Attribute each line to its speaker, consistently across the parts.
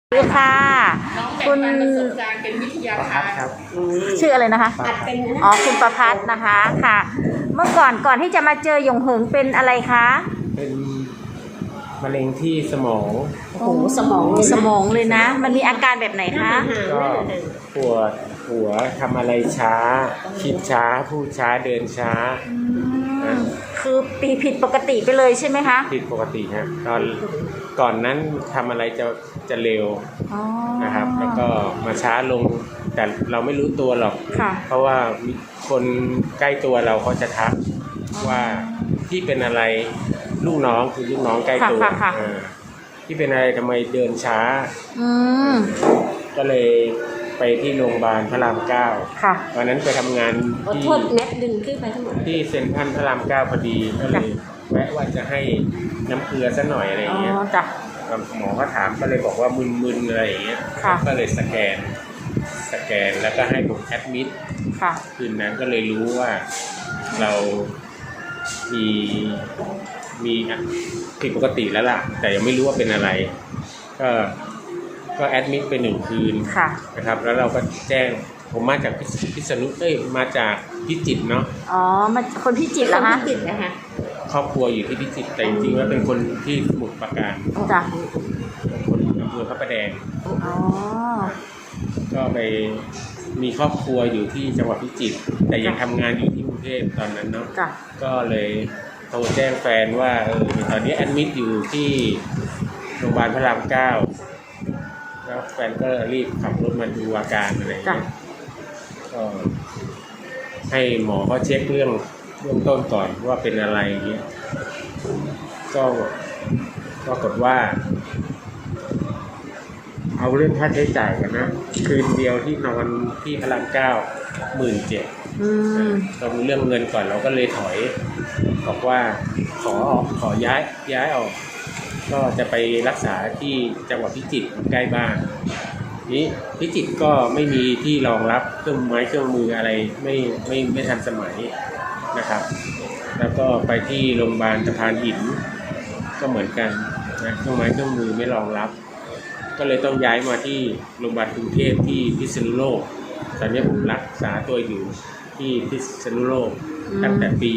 Speaker 1: สวัสดีค่ะคุณ
Speaker 2: ประสบการณ์เป็นวิทยาทาน
Speaker 3: ครับ
Speaker 1: ชื่ออะไรนะคะอ๋อคุณประภัสนะคะค่ะ เมื่อก่อนที่จะมาเจอหยงเหิงเป็นอะไรคะ
Speaker 3: เป็นมะเร็งที่สมอง
Speaker 2: โอ้โหสมอง
Speaker 1: เลยนะมันมีอาการแบบไหนคะ
Speaker 3: ก็ปวดหัวทำอะไรช้า คิดช้าพูดช้าเดินช้า
Speaker 1: คือผิดปกติไปเลยใช่ไหมคะ
Speaker 3: ผิดปกติฮะก่อนนั้นทำอะไรจะเร็วนะครับ แล้วก็มาช้าลงแต่เราไม่รู้ตัวหรอกเพราะว่าคนใกล้ตัวเราเขาจะทักว่าที่เป็นอะไรลูกน้องคือลูกน้องใกล้ตัวที่เป็นอะไรทำไมเดินช้าก็เลยไปที่โรงพยาบาลพระราม9วันนั้นไปทำงานที่
Speaker 2: เน็ตดึงขึ้นไปทั้งหมด
Speaker 3: ที่เซ็นทรัลพระราม9พอดีก็เลยแวะว่าจะให้น้ำเกลือซะหน่อยอะไรอย่างเงี้ยหมอก็ถามก็เลยบอกว่ามึนๆอะไรอย่างเงี้ยก็เลยสแกนแล้วก็ให้ผมแอดมิดคืนนั้นก็เลยรู้ว่าเรามีผิดปกติแล้วล่ะแต่ยังไม่รู้ว่าเป็นอะไรก็แอดมิดไป1 คืนนะครับแล้วเราก็แจ้งผมมาจากพิษณุมาจากพิจิตรเนาะ
Speaker 1: อ๋อมาคนพิจิตรเหรอคะ
Speaker 2: พิจิตรนะคะ
Speaker 3: ครอบครัวอยู่ที่พิจิตรแต่จริงๆแล้วเป็นคนที่สมุทรปราการ
Speaker 1: จ้ะ
Speaker 3: คนอำเภอพระประแดง
Speaker 1: อ๋อ
Speaker 3: ก็ไปมีครอบครัวอยู่ที่จังหวัดพิจิตรแต่ยังทำงานอยู่ที่กรุงเทพตอนนั้นเนาะก็เลยโทรแจ้งแฟนว่าตอนนี้แอดมิดอยู่ที่โรงพยาบาลพระราม9แล้วแฟนก็รีบขับรถมาดูอาการอะไรอย่างเงี้ยก็ให้หมอเขาเช็คเรื่องต้นก่อนว่าเป็นอะไรอย่างเงี้ยก็ปรากฏว่าเอาเรื่องค่าใช้จ่ายกันนะคืนเดียวที่นอนที่พระราม9,700เราดูเรื่องเงินก่อนเราก็เลยถอยบอกว่าขอย้ายออกก็จะไปรักษาที่จังหวัดพิจิตรใกล้บ้านนี้พิจิตรก็ไม่มีที่รองรับเครื่องมืออะไรไม่ทันสมัยนะครับแล้วก็ไปที่โรงพยาบาลสะพานหินก็เหมือนกันนะเครื่องมือไม่รองรับก็เลยต้องย้ายมาที่โรงพยาบาลกรุงเทพที่พิษณุโลกตอนนี้ผมรักษาตัวอยู่ที่พิษณุโลกตั้งแต่ปี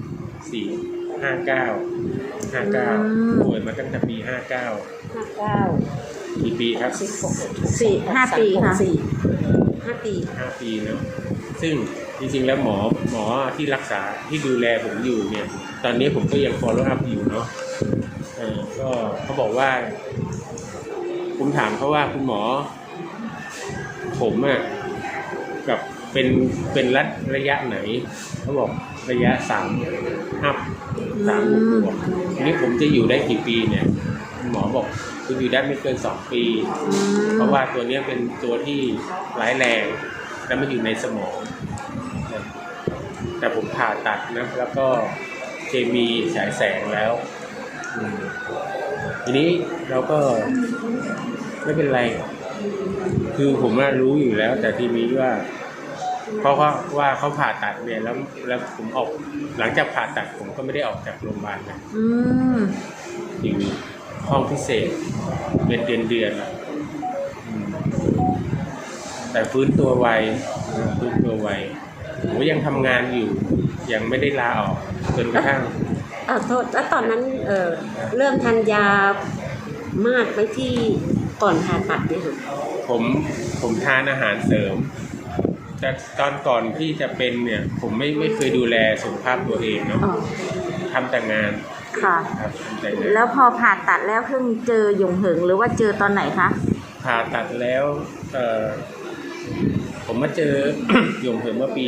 Speaker 3: 59ป่วยมาตั้งแต่ปี59กี่ปีครับ
Speaker 1: 5 ปีค่ะ
Speaker 3: 5 ปีเนาะซึ่งจริงๆแล้วหมอที่รักษาที่ดูแลผมอยู่เนี่ยตอนนี้ผมก็ยัง follow up อยู่เนาะก็เขาบอกว่าผมถามเขาว่าคุณหมอผมกับเป็นระยะไหนเขาบอกระยะ3 บวกทีนี้ผมจะอยู่ได้กี่ปีเนี่ยหมอบอกคุณอยู่ได้ไม่เกิน2 ปีเพราะว่าตัวนี้เป็นตัวที่ร้ายแรงและมันอยู่ในสมองแต่ผมผ่าตัดนะแล้วก็เคมีฉายแสงแล้วทีนี้เราก็ไม่เป็นไรคือผมรู้อยู่แล้วแต่ทีนี้ว่าเพราะว่าเขาผ่าตัดเนี่ยแล้วผมออกหลังจากผ่าตัดผมก็ไม่ได้ออกจากโรงพยาบาลนะอยู่ห้องพิเศษเป็นเดือนแต่ฟื้นตัวไวผมยังทำงานอยู่ยังไม่ได้ลาออกจนกระทั่ง
Speaker 2: โทษแล้วตอนนั้นเริ่มทานยามากไปที่ก่อนผ่าตัดเนี่ย
Speaker 3: ผมทานอาหารเสริมแต่ตอนก่อนที่จะเป็นเนี่ยผมไม่เคยดูแลสุขภาพตัวเองเนาะทำแต่งาน
Speaker 1: ค่ะแล้วพอผ่าตัดแล้วเพิ่งเจอหยงเหิงหรือว่าเจอตอนไหนคะ
Speaker 3: ผ่าตัดแล้วผมมาเจอ หยงเหิงเมื่อปี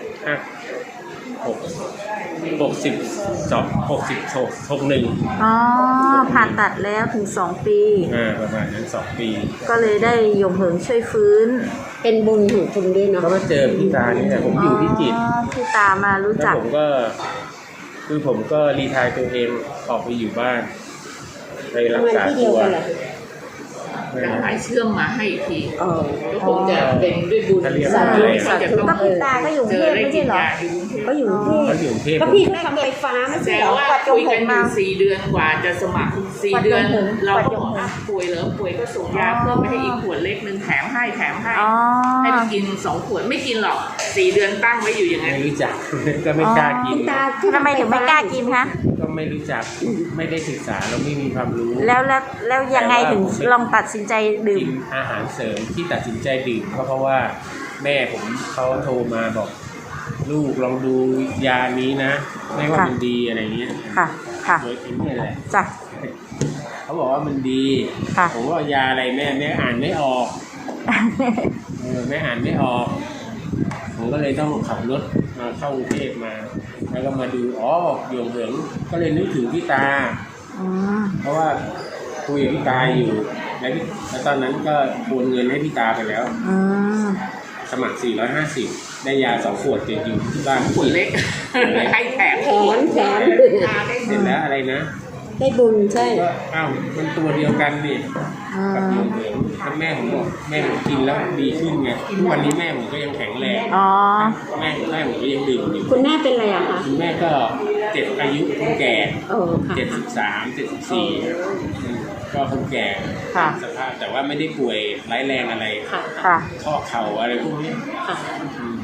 Speaker 3: 61
Speaker 1: อ๋อผ่าตัดแล้วถึง2 ปี
Speaker 3: ประมาณนั้น2 ปี
Speaker 1: ก็เลยได้หยงเหิงช่วยฟื้น
Speaker 2: เป็นบุญของคุณด้วยเนาะ
Speaker 3: ก็มาเจอพี่ตานี่แหละผมอยู่พิจิตร
Speaker 1: พี่ตามารู้จัก
Speaker 3: ผมก็รีไทร์ตัวเองออกไปอยู่บ้านไปรักษาตัว
Speaker 4: จะหายเชื่อมมาให้อีกที
Speaker 2: อ๋อ
Speaker 4: ก็คงจะเป็นด้วยบุญ
Speaker 3: เขาเรียก
Speaker 2: สา
Speaker 3: ว่า
Speaker 2: ธุ
Speaker 3: อะไร
Speaker 2: สา
Speaker 3: อะ
Speaker 2: ธุ
Speaker 1: ก็คุณตาก็อยู่กรุง
Speaker 4: เจ
Speaker 1: เท
Speaker 4: อ
Speaker 1: พ
Speaker 4: ได้
Speaker 1: ไม่
Speaker 4: กิ
Speaker 1: ใช่
Speaker 4: น
Speaker 1: เหรอ
Speaker 4: ยาอยู่กรุงเทพ
Speaker 2: ก็อยู่กรุงเทพ
Speaker 3: เขาอยู่กรุงเทพ
Speaker 2: ก็พี่ก็ทำไฟฟ้าไม่ใช่
Speaker 4: แต่
Speaker 2: เหรอ
Speaker 4: ว่าคุยกันอยู่4 เดือนกว่าจะสมัคร4 เดือน เราก็บอกป่วยเหรอป่วยก็ส่งยาเพิ่มไปให้อีกขวดเล็กนึงแถมให้
Speaker 1: อ๋อ
Speaker 4: ให้ไปกิน2 ขวดไม่กินหรอก4 เดือนตั้งไว้อยู่อย่างนั้น
Speaker 3: ไม่รู้จัก ก็ไม่กล้ากิน
Speaker 2: คุณตาที่
Speaker 1: ทำไมถึงไม่กล้ากินคะ
Speaker 3: ก็ไม่รู้จักไม่ได้ศึกษาเราไม่มีความรู้
Speaker 1: แล้วยังไงถึงลองตัดสินใจดื่
Speaker 3: กิ
Speaker 1: ม
Speaker 3: นอาหารเสริมที่ตัดสินใจดื่มเพราะว่าแม่ผมเขาโทรมาบอก ลูกลองดูยานี้นะไม่ว่า
Speaker 1: ค่ะ
Speaker 3: มันดีอะไรเงี้ย
Speaker 1: ค่ะ ค่ะ
Speaker 3: โดยเอ็นนี่แหละ
Speaker 1: จ้ะ
Speaker 3: เขาบอกว่ามันดี
Speaker 1: ค่ะ
Speaker 3: ผมว่ายาอะไรแม่อ่านไม่ออกแม่อ่านไม่ออก ผมก็เลยต้องขับรถมาเข้ากรุงเทพมา แล้วก็มาดูหยงเหิงก็เลยนึกถึงพี่ตา
Speaker 1: อืม
Speaker 3: เพราะว่าคุยกับพี่ตาอยู่แล้วตอนนั้นก็โอนเงินให้พี่ตาไปแล้ว
Speaker 1: อืม
Speaker 3: สมัคร 450 ได้ยา2 ขวดติดอยู่ที่บ้าน
Speaker 4: ขวดเล็กให้แถม
Speaker 2: แถม
Speaker 3: เสร็จแล้วอะไรนะ
Speaker 2: ได้บุญใช่
Speaker 3: ก็มันตัวเดียวกันนี่
Speaker 1: อื
Speaker 3: กับหย
Speaker 1: ม
Speaker 3: งเหิงแล้วแม่ผมบอกแม่ผมกินแล้วดีขึ้นไงทุกวันนี้แม่ผมก็ยังแข็งแรง
Speaker 1: อ๋อ
Speaker 3: แม่ผมก็ยังดื่มอยู่
Speaker 2: คุณแม่เป็นอะไรอะคะ
Speaker 3: คุณแม่ก็7 อายุคนแก่
Speaker 2: โอ้ค่ะ
Speaker 3: 73 74ก็คนแก่
Speaker 1: ค่ะ
Speaker 3: สภาพแต่ว่าไม่ได้ป่วยร้ายแรงอะไร
Speaker 2: ค่ะ
Speaker 1: ค่ะ
Speaker 3: ข้อเข่าอะไรพวกนี้
Speaker 2: ค่ะ
Speaker 3: อืม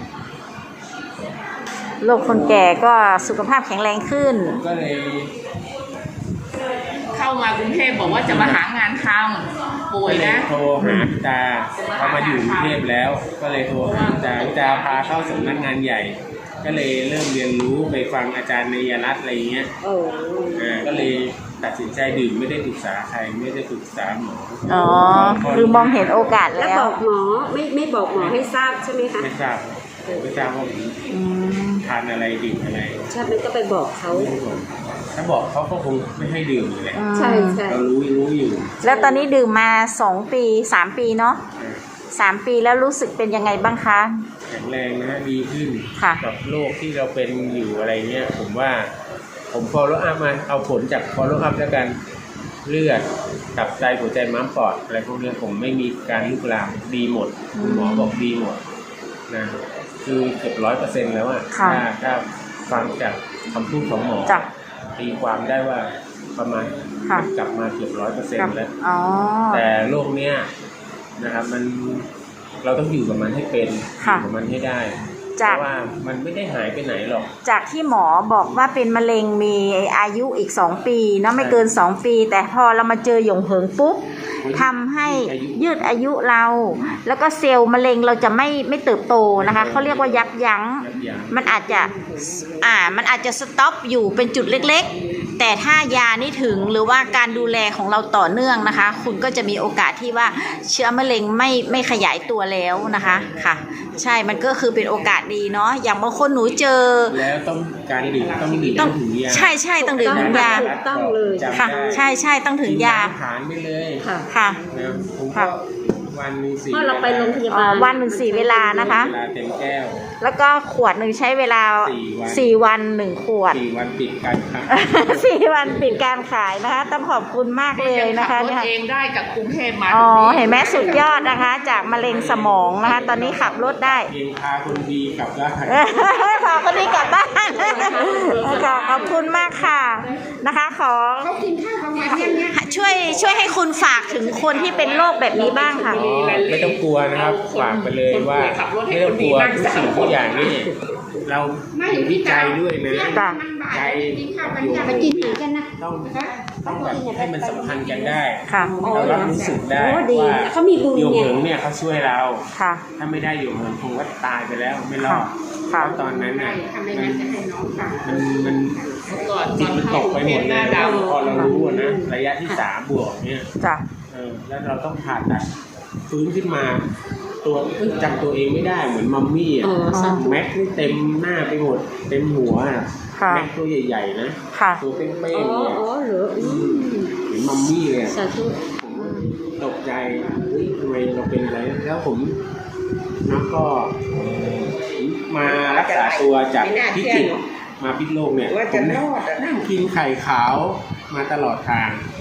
Speaker 1: โรคคนแก่ก็สุขภาพแข็งแรงขึ้น
Speaker 3: ก็เลย
Speaker 4: เข้ามากรุงเทพบอกว่าจะมาหางานทำป่วยนะ
Speaker 3: โทรหาพี่ตาเขามาอยู่กรุงเทพแล้ว ก็เลยโทรหาพี่ตาพาเข้าสำนักงานใหญ่ ก็เลยเริ่มเรียนรู้ไปฟังอาจารย์ในยรัตน์อะไรเงี้ย
Speaker 2: โอ้
Speaker 3: ก็เลยตัดสินใจดื่มไม่ได้ปรึกษาใครไม่ได้ปรึกษาหมอ
Speaker 1: อ๋อ คือมองเห็นโอกาส
Speaker 2: แล้ว
Speaker 1: แล้ว
Speaker 2: บอกหมอไม่บอกหมอให้ทราบใช่ไหมคะ
Speaker 3: ไม่ทราบว่าผม
Speaker 1: อืม
Speaker 3: ทานอะไรดื่มอะไร
Speaker 2: ใช่มันก็ไปบอกเขา
Speaker 3: ไม่ได้บอกถ้าบอกเขาก็คงไม่ให้ดื่มอยู่แหละ
Speaker 2: ใช่ใช่
Speaker 3: เรารู้อยู่
Speaker 1: แล้วตอนนี้ดื่มมา2 ปี 3 ปีเนาะ 3 ปีแล้วรู้สึกเป็นยังไงบ้างคะ
Speaker 3: แข็งแรงนะดีขึ้น
Speaker 1: ค่ะ
Speaker 3: กับโรคที่เราเป็นอยู่อะไรเงี้ยผมว่าผม follow up มาเอาผลจาก follow up แล้วกันเลือดตับไตหัวใจม้ามปอดอะไรพวกนี้ผมไม่มีการลุกลามดีหมดคุณหมอบอกดีหมดนะคือเกือบ100%แล้วอะ
Speaker 1: ค่ะ
Speaker 3: ถ้าฟังจากคำพูดของหมอ
Speaker 1: จ้ะ
Speaker 3: ตีความได้ว่าประมาณ
Speaker 1: ค่ะ
Speaker 3: กลับมาเกือบ100%แล้ว
Speaker 1: อ๋อ
Speaker 3: แต่โรคเนี้ยนะครับมันเราต้องอยู่กับมันให้เป็นอ
Speaker 1: ค่ะ
Speaker 3: ยู่กับมันให้ได้เพ
Speaker 1: จาก
Speaker 3: ราะว่ามันไม่ได้หายไปไหนหรอก
Speaker 1: จากที่หมอบอกว่าเป็นมะเร็งมีอายุอีก2 ปีเนาะไม่เกิน2 ปี แต่พอเรามาเจอหยงเหิงปุ๊บทำให้ยืดอายุเรา แล้วก็เซลล์มะเร็งเราจะไม่เติบโตนะคะเขาเรียกว่ายับยั้ง มันอาจจะสต็อปอยู่เป็นจุดเล็กๆ แต่ถ้ายานี่ถึงหรือว่าการดูแลของเราต่อเนื่องนะคะ คุณก็จะมีโอกาสที่ว่าเชื้อมะเร็งไม่ขยายตัวแล้วนะคะค่ะ ใช่มันก็คือเป็นโอกาสดีเนาะอย่างบางคนหนูเจอ
Speaker 3: แล้วต้องการดื่มต้องดื่ม
Speaker 1: ต้อง
Speaker 3: ถึงยา
Speaker 1: ใช่ต้องดื่มถึงยา
Speaker 2: ต้องเลย
Speaker 3: จำ
Speaker 1: ค่ะ
Speaker 3: ได้
Speaker 1: ใช่ต้องถึงยา
Speaker 3: กินผ่านไปเลย
Speaker 2: ค่ะ
Speaker 1: ค่ะ
Speaker 3: นะผม
Speaker 1: ค่ะ
Speaker 3: ก็วันหนึง4
Speaker 2: เพราะเราไปโรงพยาบาล
Speaker 1: วันหนึ่ง4 เวลานะคะ
Speaker 3: เวลาเต็มแก้ว
Speaker 1: แล้วก็ขวดหนึ่งใช้เวลา 4 วัน 1 ขวด
Speaker 3: 4 วันติดกันครับ
Speaker 1: 4 วันปิดการขายนะคะ ต้องขอบคุณมากเลยนะคะ
Speaker 4: รถ
Speaker 1: เนี่ย
Speaker 4: เองได้จากกรุงเทพมา
Speaker 1: อ๋อ
Speaker 4: ตรงนี้
Speaker 1: เห็นไหมสุดยอดนะคะ จากมะเร็งสมองนะคะ ตอนนี้ขับรถได้
Speaker 3: เองพาคนดีกลับได้
Speaker 1: ขอคนนี้กลับบ้านค่ะขอบคุณมากค่ะนะคะ ขอช่วยให้คุณฝากถึงคนที่เป็นโรคแบบนี้บ้างค่ะ
Speaker 3: อ๋อไม่ต้องกลัวนะครับฝากไปเลยว่าไม่ต้องกลัวทุกสิ่งทุกอย่างนี่เราอยู่ที่ใจด้วยนะ
Speaker 1: จ้ะ
Speaker 3: ใจอยู่ต้องแบบให้มันสัมพันธ์กันได้
Speaker 1: ค่ะ
Speaker 3: เรารับรู้สึกได้
Speaker 2: โอ้ดี
Speaker 3: ว่า
Speaker 2: เขามีบุญ
Speaker 3: โยง
Speaker 2: ไง
Speaker 3: เหิงเนี่ยเขาช่วยเรา
Speaker 1: ค่ะ
Speaker 3: ถ้าไม่ได้โยงเหิงคงว่าตายไปแล้วไม่รอด
Speaker 1: ค่ะ
Speaker 3: เพราะตอนนั้นน่ะมัน
Speaker 4: ก่อน
Speaker 3: จิตมันตกไปหมด
Speaker 4: ห
Speaker 3: เล
Speaker 4: น้าย ดำ
Speaker 3: พอเรารู้อะนะระยะที่3 บวกเนี่ย
Speaker 1: จ้ะ
Speaker 3: แล้วเราต้องผ่าตัดฟื้นขึ้นมา ตัวจำตัวเองไม่ได้เหมือนมัมมี่อ่ะ
Speaker 2: อ๋อสาธุ
Speaker 3: แม็กนี่เต็มหน้าไปหมด เต็มหัวอะ
Speaker 1: ค่ะ
Speaker 3: แม็กตัวใหญ่ๆนะ
Speaker 1: ค่ะ
Speaker 3: ตัวเป้
Speaker 2: อ๋
Speaker 3: งๆเนี่ย
Speaker 2: อเหรอ
Speaker 3: เหมือนมัมมี่เลยอะ
Speaker 2: สาธุ
Speaker 3: ผมตกใจเฮ้ยทำไมเราเป็นอะไรแล้วผมแล้วก็มารักษาตัวจากพิจิตรมาพิษณุโลกเนี่ยผมนั่งกินไข่ขาวมาตลอดทาง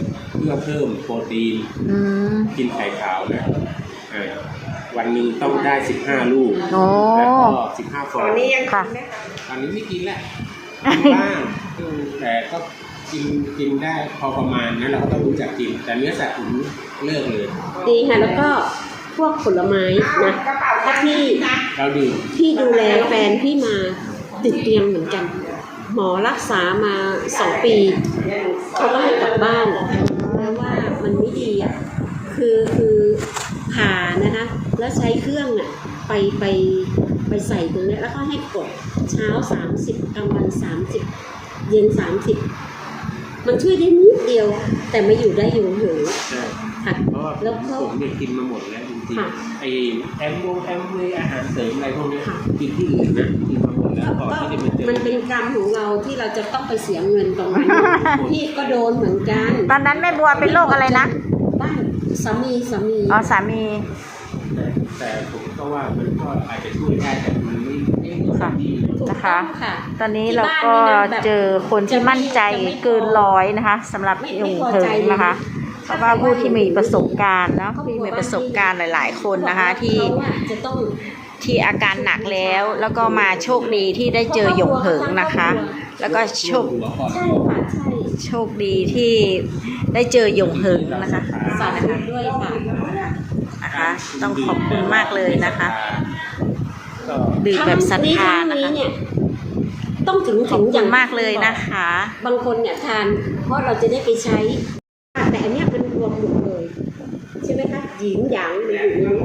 Speaker 3: พื่อเพิ่มโปรตีน
Speaker 1: อืม
Speaker 3: กินไข่ขาวนะวันหนึ่งต้องได้ 15 ลูก
Speaker 1: โอ้
Speaker 3: แล้วก็15 ฟอง
Speaker 1: ค่ะ
Speaker 3: ตอนนี้ไม่กินแล้วกินบ้างแต่ก็กินได้พอประมาณนะเราก็ต้องรู้จักกิน แต่เนื้อสัตว์ผมเลิกเลย
Speaker 2: ดีค่ะแล้วก็พวกผลไม้นะถ้าพี่
Speaker 3: เราดื่ม
Speaker 2: ดูแลแฟนพี่มาติดเตียงเหมือนกัน หมอรักษามา2 ปีเขาก็ให้กลับบ้านเพราะว่ามันไม่ดีอ่ะคือผ่านะคะแล้วใช้เครื่องอ่ะไปใส่ตรงนี้แล้วก็ให้กดเช้า30กลางวัน30เย็น30มันช่วยได้นิดเดียวแต่ไม่อยู่ได้อยู่เหอะ
Speaker 3: ใช่
Speaker 2: ค่ะ
Speaker 3: เพราะว่า
Speaker 2: แล้วก็
Speaker 3: ผมเนี่ยกินมาหมดแล้วจริง
Speaker 2: ค่ะ
Speaker 3: ๆไอ้แอมเวย์อาหารเสริมอะไรพวกเนี้ย
Speaker 2: ค่ะ
Speaker 3: กินที่อื่นนะกินมาหมดแล้วก่อนที่จะมาเจอ
Speaker 2: มันเป็นกรรมของเราที่เราจะต้องไปเสียเงินตรงนั้น พี่ก็โดนเหมือนกัน
Speaker 1: ตอนนั้นแม่บัวเป็นโรคอะไรนะ
Speaker 2: บ้านสามี
Speaker 1: อ๋อสามี
Speaker 3: แต่ผมก็ว่ามันก็อาจจะช่วยได้แต่มันไม่
Speaker 1: ค่ะ
Speaker 3: ได้ดี
Speaker 2: ถูก
Speaker 1: นะคะ
Speaker 2: ต้องค่ะ
Speaker 1: ตอนนี้เราก็เจอคนที่มั่นใจเกินร้อยนะคะสำหรับยงเถิงนะคะ เพราะว่าผู้ที่มีประสบการณ์เนาะที่มีประสบการณ์หลาย ๆ คนนะคะที่
Speaker 2: เขาอะจะต้อง
Speaker 1: อาการหนักแล้วก็มาโชคดีที่ได้เจอหยงเหิงนะคะ แล้วก็โชค
Speaker 3: หัวก่อน
Speaker 2: ใช่ค่ะใช่
Speaker 1: โชคดีที่ได้เจอหยงเหิงนะคะ
Speaker 2: สาธุด้วยค่ะ
Speaker 1: นะคะ ต้องขอบคุณมากเลยนะคะ
Speaker 3: ก็
Speaker 1: ดื่มแบบศรัทธานะ
Speaker 2: นี้
Speaker 1: คะ
Speaker 2: เนี่ยต้องถึง
Speaker 1: ขอบคุ
Speaker 2: อย่า
Speaker 1: ณ
Speaker 2: ง
Speaker 1: มากเลยนะคะ
Speaker 2: บางคนเนี่ยทานเพราะเราจะได้ไปใช้แต่อันเนี้ยมันรวมหมดเลยใช่ไหมคะหยินหยางมันอยู่ในนี้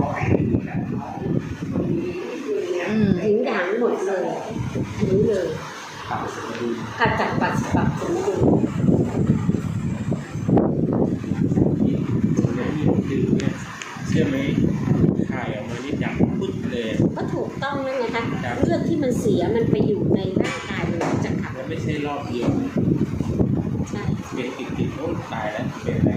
Speaker 1: อืม
Speaker 2: หยินหยางหมดเลยนี้เลย
Speaker 3: ปรับสมดุล
Speaker 2: ขจัดปัดปรับสมดุล
Speaker 3: เนี่ยที่ผมดื่มเนี่ยเชื่อไหมถ่ายออกมานี่ดำปึ๊ดเลย
Speaker 2: ก็ถูกต้องนั่นไงคะเลือดที่มันเสียมันไปอยู่ในร่างกายมันจะขับ
Speaker 3: แล้วไม่ใช่รอบเดียวนะ
Speaker 2: ใช่
Speaker 3: เป็นติดโอ้ตายแล้วเป็นอะไร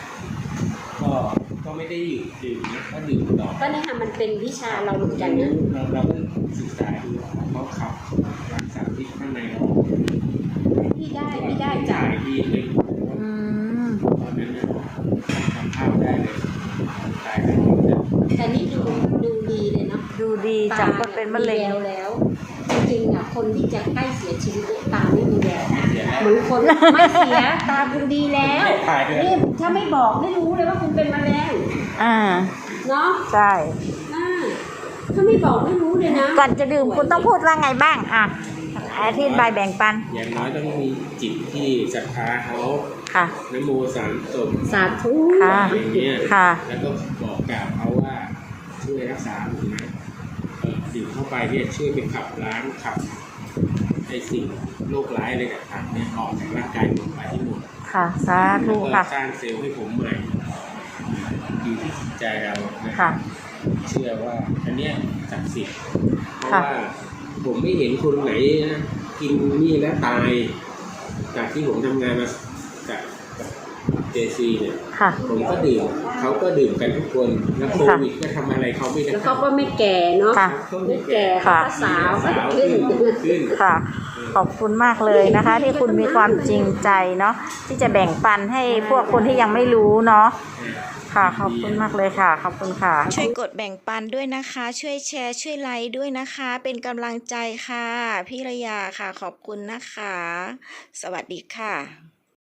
Speaker 3: ก็ไม่ได้หยุดดื่มนะก็ดื่มต่อ
Speaker 2: ก็เนี่ยค่ะมันเป็นวิชาเราเหมือนกันนะ
Speaker 3: เราก็ศึกษาดูเขาขับหลังสารพิษข้างในออก
Speaker 2: พี่ได้จาก
Speaker 3: ถ่ายดีเลย
Speaker 1: อืม
Speaker 3: ตอนนั้นนะทำภาพได้เลยถ่ายได้หมดเลย
Speaker 2: แต่นี่ดูดีเลยเนาะ
Speaker 1: ดูดีจากคนเป็นมะเร็ง
Speaker 2: ตาแล้วจริงๆอ่ะคนที่จะใกล้เสียชีวิตเนี่ยตาไม่มีแวว
Speaker 3: เสียแล้ว
Speaker 2: เหมือนคนไม่เสียตาคุณดีแล้ว
Speaker 3: ถ่ายเลย
Speaker 2: นี่ถ้าไม่บอกไม่รู้เลยว่าคุณเป็นมะเร็ง
Speaker 1: อ่า
Speaker 2: เนาะ
Speaker 1: ใช่
Speaker 2: อ่าถ้าไม่บอกไม่รู้เลยนะ
Speaker 1: ก่อนจะดื่มคุณต้องพูดว่าไงบ้างอ่ะอธิบายแบ่งปัน
Speaker 3: อย่างน้อยต้องมีจิตที่ศรัทธาเขา
Speaker 1: ค่ะ
Speaker 3: นะโมสามจบ
Speaker 2: สาธุ
Speaker 1: ค่ะ
Speaker 3: อย่างเงี้ย
Speaker 1: ค่ะ
Speaker 3: แล้วก็บอกกล่าวเขาว่าช่วยรักษาผมนะดื่มเข้าไปเนี่ยช่วยไปขับล้างขับไอ้สิ่งโรคร้ายอะไรต่างๆเนี่ยออกจากร่างกายผมไปให้หมด
Speaker 1: ค่ะสา
Speaker 3: แล้
Speaker 1: ธุ
Speaker 3: วก็
Speaker 1: ค่ะ
Speaker 3: สร้างเซลล์ให้ผมใหม่อยู่ที่จิตใจเรานะ
Speaker 1: ค่ะ
Speaker 3: เชื่อว่าอันเนี้ยศักดิ์สิทธิ์เพราะ
Speaker 1: ค่ะ
Speaker 3: ว่าผมไม่เห็นคนไหนนะกินนี่แล้วตายจากที่ผมทำงานมากับเจซีเนี่ย
Speaker 1: ค่ะ
Speaker 3: ผมก็ดื่มเขาก็ดื่มกันทุกคนแล้วโควิดก็ทำอะไรเขาไม่ได้
Speaker 2: แล้วเขาก็ไม่แก่เนาะ
Speaker 1: ค่ะ
Speaker 2: ไม่แก่
Speaker 1: ค่ะ
Speaker 2: เขาก็สาว
Speaker 3: สาว
Speaker 2: ขึ้น
Speaker 3: ขึ้น
Speaker 1: ค่ะ ขอบคุณมากเลยนะคะ ที่คุณมีความจริงใจเนาะที่จะแบ่งปันให้พวกคนที่ยังไม่รู้เนาะค่ะ ขอบคุณมากเลยค่ะ ขอบคุณค่ะ ช่วยกดแบ่งปันด้วยนะคะ ช่วยแชร์ช่วยไลค์ด้วยนะคะ เป็นกำลังใจค่ะพี่ระยาค่ะ ขอบคุณนะคะ สวัสดีค่ะ